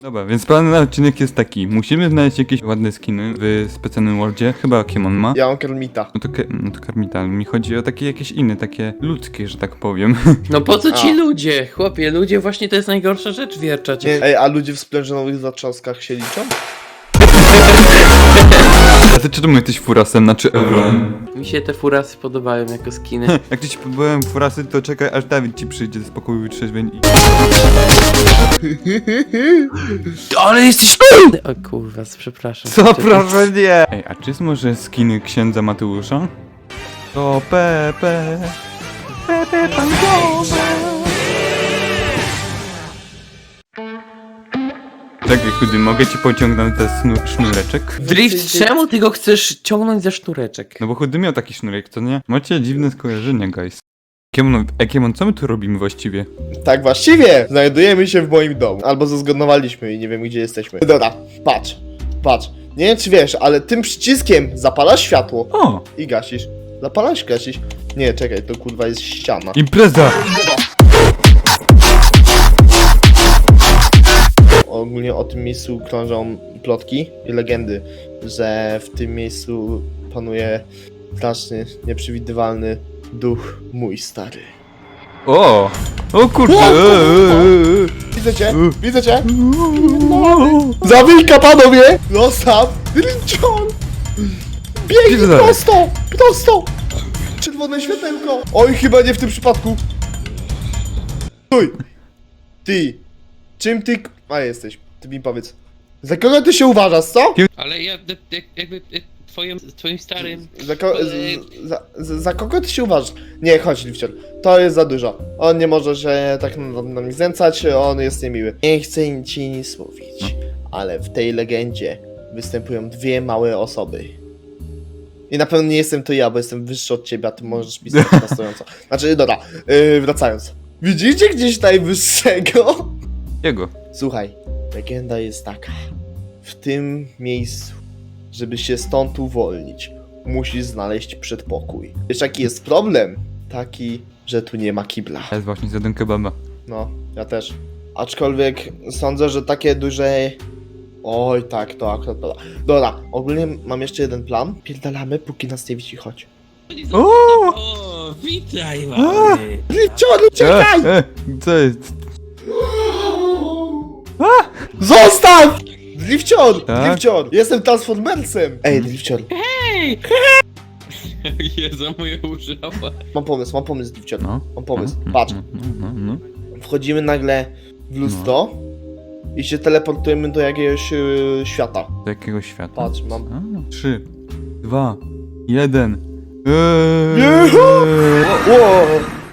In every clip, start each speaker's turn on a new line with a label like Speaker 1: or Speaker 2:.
Speaker 1: Dobra, więc plan na odcinek jest taki. Musimy znaleźć jakieś ładne skiny w specjalnym worldzie. Chyba Kiemon ma.
Speaker 2: Ja mam Kermita.
Speaker 1: No to Karmita, ale mi chodzi o takie jakieś inne, takie ludzkie, że tak powiem.
Speaker 3: No po co ci
Speaker 2: A.
Speaker 3: ludzie? Chłopie, ludzie właśnie to jest najgorsza rzecz wierczać.
Speaker 2: Ej, a ludzie w splężonowych zatrzaskach się liczą?
Speaker 1: A ty czemu jesteś furasem, znaczy Euron?
Speaker 3: Mi się te furasy podobają jako skiny.
Speaker 1: Jak ci byłem furasy, to czekaj aż Dawid ci przyjdzie z pokoju wytrzeźwień i...
Speaker 3: Ale jesteś O kurwa, przepraszam.
Speaker 1: Co, proszę nie! Ej, a czy jest może skiny księdza Mateusza? To Pepe Pankowe. Czekaj, chudy, mogę ci pociągnąć ten sznureczek?
Speaker 3: Drift, czemu ty go chcesz ciągnąć za sznureczek?
Speaker 1: No bo chudy miał taki sznurek, co nie? Macie dziwne skojarzenia, guys. Kiemon, co my tu robimy właściwie?
Speaker 2: Tak właściwie! Znajdujemy się w moim domu. Albo zezgodowaliśmy i nie wiem gdzie jesteśmy. Dobra, patrz. Nie wiem czy wiesz, ale tym przyciskiem zapalasz światło
Speaker 1: O!
Speaker 2: i gasisz. Zapalasz, gasisz. Nie, czekaj, to kurwa jest ściana.
Speaker 1: Impreza!
Speaker 2: Ogólnie o tym miejscu krążą plotki i legendy, że w tym miejscu panuje straszny, nieprzewidywalny duch mój stary.
Speaker 1: O! O kurde!
Speaker 2: Widzę cię! Zawilka panowie! Zostaw! Drinczon! Biegnij
Speaker 1: Gdzie dalej?
Speaker 2: prosto! Czerwone światełko! Oj, chyba nie w tym przypadku. Stój! Ty! Czym ty... A jesteś, ty mi powiedz. Za kogo ty się uważasz, co?
Speaker 3: Ale ja jakby twoim starym...
Speaker 2: Za kogo ty się uważasz? Nie, chodź, Lifcior. To jest za dużo. On nie może się tak na mnie znęcać, on jest niemiły. Nie chcę ci nic mówić, ale w tej legendzie występują dwie małe osoby. I na pewno nie jestem to ja, bo jestem wyższy od ciebie, a ty możesz pisać na stojąco. Znaczy, dobra, wracając. Widzicie gdzieś najwyższego?
Speaker 1: Jego.
Speaker 2: Słuchaj, legenda jest taka. W tym miejscu, żeby się stąd uwolnić, musisz znaleźć przedpokój. Wiesz jaki jest problem? Taki, że tu nie ma kibla.
Speaker 1: Ja jest właśnie zjadłem kebaba.
Speaker 2: No, ja też. Aczkolwiek sądzę, że takie duże... Oj tak, to akurat prawda. Dobra, ogólnie mam jeszcze jeden plan. Pierdalamy, póki nas nie widzi, chodź.
Speaker 3: O, witaj mamy!
Speaker 2: Liczony, czekaj!
Speaker 1: Co jest?
Speaker 2: Zostaw! Drifcior!
Speaker 1: Tak?
Speaker 2: Drifcior! Jestem Transformersem! Ej, Drifcior,
Speaker 3: Hej! Jezu, moje użyła.
Speaker 2: mam pomysł, Drifcior.
Speaker 1: No.
Speaker 2: Mam pomysł,
Speaker 1: No,
Speaker 2: patrz.
Speaker 1: No.
Speaker 2: Wchodzimy nagle w lustro i się teleportujemy do jakiegoś świata.
Speaker 1: Do jakiego świata?
Speaker 2: Patrz, mam...
Speaker 1: 3, 2, 1.
Speaker 2: Ło!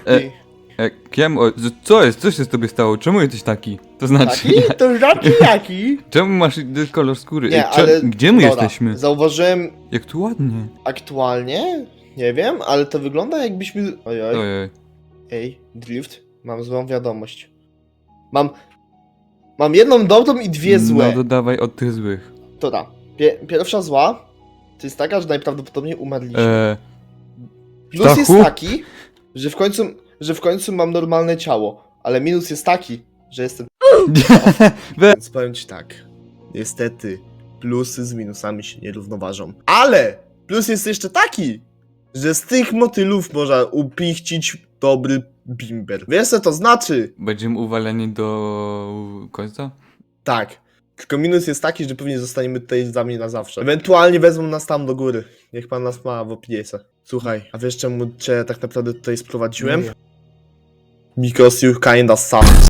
Speaker 1: Co jest? Co się z tobie stało? Czemu jesteś taki? To znaczy,
Speaker 2: Taki? To znaczy jaki?
Speaker 1: czemu masz kolor skóry?
Speaker 2: Nie,
Speaker 1: Ej,
Speaker 2: ale...
Speaker 1: Gdzie my
Speaker 2: Dobra,
Speaker 1: jesteśmy?
Speaker 2: Zauważyłem
Speaker 1: Jak tu ładnie.
Speaker 2: aktualnie, nie wiem, ale to wygląda jakbyśmy... Ojoj.
Speaker 1: Ojej.
Speaker 2: Ej, Drift, mam złą wiadomość. Mam jedną dobrą i dwie złe.
Speaker 1: No dodawaj od tych złych.
Speaker 2: Dobra, pierwsza zła to jest taka, że najprawdopodobniej umarliśmy. Plus jest
Speaker 1: Stachu?
Speaker 2: taki, że w końcu mam normalne ciało, ale minus jest taki, że jestem... Więc powiem ci tak, niestety plusy z minusami się nie równoważą. Ale plus jest jeszcze taki, że z tych motylów można upichcić dobry bimber. Wiesz co to znaczy?
Speaker 1: Będziemy uwaleni do końca?
Speaker 2: Tak. Tylko minus jest taki, że pewnie zostaniemy tutaj z nami na zawsze. Ewentualnie wezmą nas tam do góry. Niech pan nas ma w opiniece. Słuchaj, a wiesz czemu cię tak naprawdę tutaj sprowadziłem? Because you kinda suck.